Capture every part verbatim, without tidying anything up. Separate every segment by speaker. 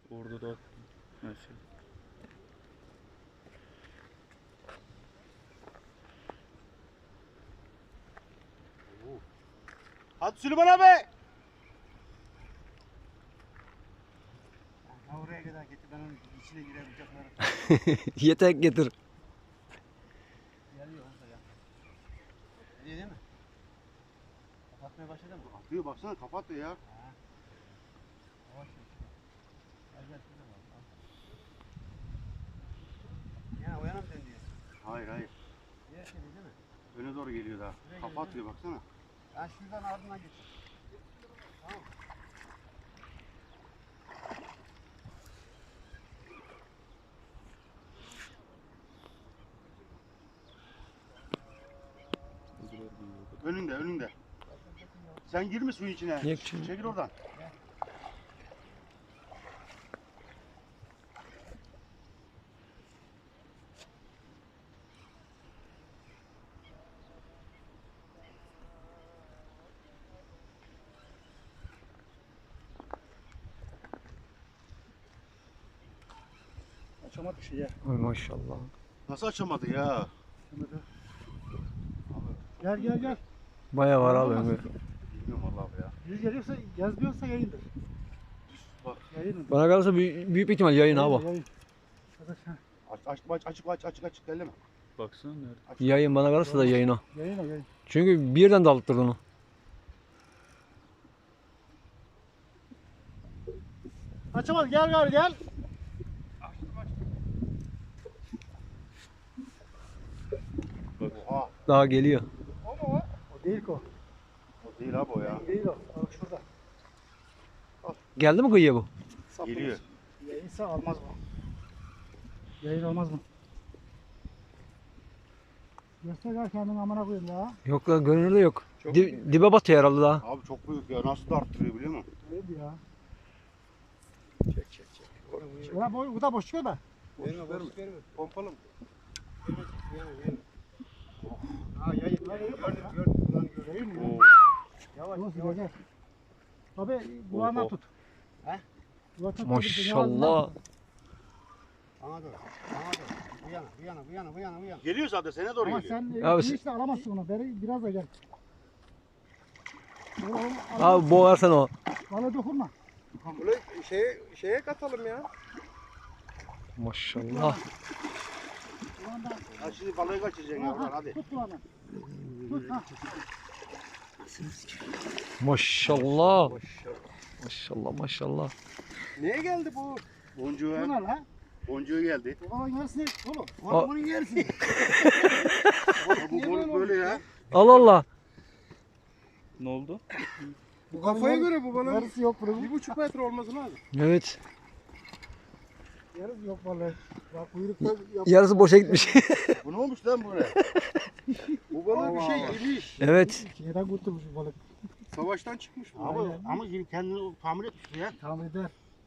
Speaker 1: Orada da her şey.
Speaker 2: Hadi Süleyman abi. Ha oraya kadar getir, ben onun içine girerim bıçakları.
Speaker 3: Yetek getir.
Speaker 2: Geliyor orada ya. Geliyor değil mi? Kapatmaya başladı mı? Atıyor baksana, kapatıyor ya. Ha. Yavaş yavaş. Gel gel şurada var. Ya uyana mı dönüyor? Hayır hayır. Diğer şey değil mi? Öne doğru geliyor daha. Kapatıyor baksana. Ben şuradan ardından geçeyim. Tamam. Önünde, önünde. Sen girme suyun içine.
Speaker 3: Yok canım.
Speaker 2: Çekil oradan. Açamadık şey ya.
Speaker 3: Ay maşallah.
Speaker 2: Nasıl açamadı ya? Açamadı. Gel gel gel.
Speaker 3: Baya var abi Ömür.
Speaker 2: Bilmiyorum vallahi ya.
Speaker 4: Yüz geliyorsa, yazmıyorsa yayındır.
Speaker 2: Bak.
Speaker 4: Yayındır.
Speaker 3: Bana kalırsa büyük, büyük bir ihtimal yayın abi.
Speaker 4: Yayın. Arkadaş, ha.
Speaker 2: Aç, aç, aç, açık aç, açık açık elleme.
Speaker 1: Baksana nerede?
Speaker 2: Açık.
Speaker 3: Yayın bana kalırsa da yayın o.
Speaker 4: Yayın o yayın.
Speaker 3: Çünkü birden dalıttırdı onu.
Speaker 4: Açamadı, gel gari gel.
Speaker 2: Oha.
Speaker 3: Daha geliyor.
Speaker 4: O mu o? O değil ki o.
Speaker 2: O değil abi o ya.
Speaker 4: Değil o. Bak şurada.
Speaker 3: Geldi mi kıyıya bu?
Speaker 4: Saplı.
Speaker 2: Geliyor.
Speaker 4: Yayınsa almaz mı? Yayın olmaz mı? Göster gel kendini amına koyayım ya.
Speaker 3: Yok lan görünürde yok.
Speaker 2: Çok
Speaker 3: Di- dibe batıyor herhalde daha.
Speaker 2: Abi çok büyük ya. Nasıl da arttırıyor biliyor musun?
Speaker 4: Neydi ya?
Speaker 2: Çek çek çek.
Speaker 4: Ulan boy, bu da boş çıkıyor da.
Speaker 2: Verme verme. Pompalım. Ha yayın. Gördüm gördüm. Ulan göreyim mi?
Speaker 4: Oo.
Speaker 2: Yavaş
Speaker 4: Yavaş
Speaker 2: yavaş.
Speaker 4: gel. Abi kulağından
Speaker 1: Oh, oh.
Speaker 4: tut.
Speaker 2: He?
Speaker 4: Kulağından tut.
Speaker 3: Maşallah.
Speaker 2: Bana doğru. Bana doğru. Bu yana, bu yana, bu yana, bu yana, bu yana. Geliyor zaten, sana doğru
Speaker 4: Ama
Speaker 2: geliyor.
Speaker 4: sen
Speaker 3: Abi
Speaker 4: e,
Speaker 3: sen-
Speaker 4: işte alamazsın onu. Beri biraz da gel. Oğlum, oğlum,
Speaker 3: Abi boğarsan o.
Speaker 4: Bana dokunma.
Speaker 5: Bunu şeye, şeye katalım ya.
Speaker 3: Maşallah.
Speaker 4: Kulağından.
Speaker 2: Ha şimdi balığı kaçıracaksın
Speaker 4: Ha,
Speaker 2: yavrular
Speaker 4: ha,
Speaker 2: hadi.
Speaker 4: Tut kulağından. Tut ha.
Speaker 3: Maşallah. Maşallah maşallah.
Speaker 5: Neye geldi bu?
Speaker 2: Boncuğu,
Speaker 4: Bu ne lan?
Speaker 2: boncuğu geldi.
Speaker 4: Babanın yarısını oğlum.
Speaker 2: Oğlum bunun yersin. Bu balık böyle ya.
Speaker 3: Allah Allah.
Speaker 1: Ne oldu?
Speaker 5: Bu kafaya göre bu bana
Speaker 4: Yarısı yok bunun.
Speaker 5: bir buçuk metre olması lazım.
Speaker 3: Evet.
Speaker 4: Yarısı yok vallahi. Bak kuyrukta yap.
Speaker 3: Yarısı boşa gitmiş.
Speaker 2: Bu ne olmuş lan buraya?
Speaker 5: Bu bana bir
Speaker 4: Allah
Speaker 5: şey
Speaker 4: Allah.
Speaker 5: yemiş.
Speaker 3: Evet.
Speaker 4: Şeyden kurtulmuş bu balık.
Speaker 5: Savaştan çıkmış bu.
Speaker 2: Ama,
Speaker 4: Aynen.
Speaker 2: ama şimdi kendini tamir etmiş ya.
Speaker 4: Tamam eder.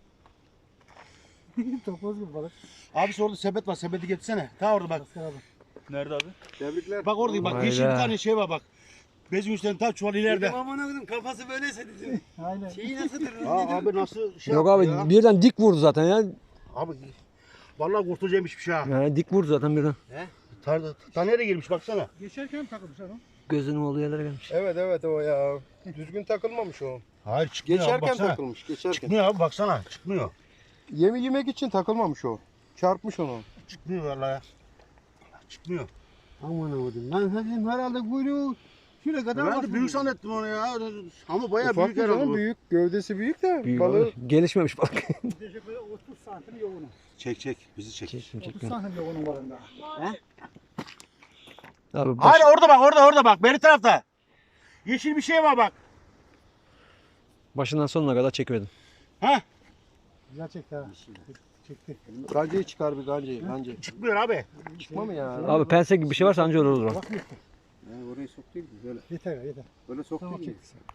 Speaker 4: Topoz gibi balık.
Speaker 2: Abi orada sepet var, sepeti getirsene. Ta orada bak.
Speaker 4: Asker abi.
Speaker 1: Nerede abi?
Speaker 5: Tebrikler.
Speaker 2: Bak orada bak,
Speaker 3: Hayda.
Speaker 2: yeşil bir tane şey var bak. Bezin üstünde tam çuval ileride.
Speaker 5: Aman akıdım kafası böyleyse dedim.
Speaker 4: Aynen.
Speaker 5: Şeyi nasıl dedim?
Speaker 2: Aa, abi nasıl şey
Speaker 3: Yok
Speaker 2: yaptı
Speaker 3: abi
Speaker 2: ya?
Speaker 3: birden dik vurdu zaten ya.
Speaker 2: Abi vallahi kurtulacakmış bir şey ha.
Speaker 3: Yani dik vurdu zaten birden.
Speaker 2: Ta, ta nereye girmiş baksana.
Speaker 4: Geçerken takılmış adam.
Speaker 3: Gözünün olduğu yerlere gelmiş.
Speaker 5: Evet evet o ya. Düzgün takılmamış o.
Speaker 2: Hayır çıkmıyor abi
Speaker 5: Geçerken
Speaker 2: baksana.
Speaker 5: takılmış geçerken.
Speaker 2: Çıkmıyor abi baksana, çıkmıyor.
Speaker 5: Yemi yemek için takılmamış o. Çarpmış onu.
Speaker 2: Çıkmıyor vallahi. Çıkmıyor.
Speaker 5: Aman avudum. Ben dedim herhalde kuyruğu şuraya kadar
Speaker 2: Ben de büyük zannettim onu ya. Ama bayağı
Speaker 5: Ufak
Speaker 2: büyük
Speaker 5: bir
Speaker 2: herhalde
Speaker 5: canım,
Speaker 2: bu.
Speaker 5: büyük. Gövdesi büyük de
Speaker 3: Büyük
Speaker 5: balığı
Speaker 3: abi. Gelişmemiş balık.
Speaker 4: Gidecek böyle otuz santim yoğunu.
Speaker 2: Çek çek, bizi çek.
Speaker 3: Çektim
Speaker 4: otuz
Speaker 3: çektim.
Speaker 4: santim yoğunun varında.
Speaker 3: Abi baş...
Speaker 2: Hayır orada bak, orada orada bak, beri tarafta. Yeşil bir şey var bak.
Speaker 3: başından sonuna kadar çekmedim.
Speaker 2: Ha?
Speaker 4: Güzel çekti ha. Çekti.
Speaker 5: gancayı çıkar bir gancayı. Gancayı.
Speaker 2: Çıkmıyor abi.
Speaker 5: Çıkma mı ya?
Speaker 3: Abi pense gibi bir şey varsa anca olur o.
Speaker 4: Bak yeter.
Speaker 5: Yani orayı sok değil mi? Böyle.
Speaker 4: Yeter yeter.
Speaker 5: Böyle sok
Speaker 4: Tamam
Speaker 5: değil mi?
Speaker 4: çekti.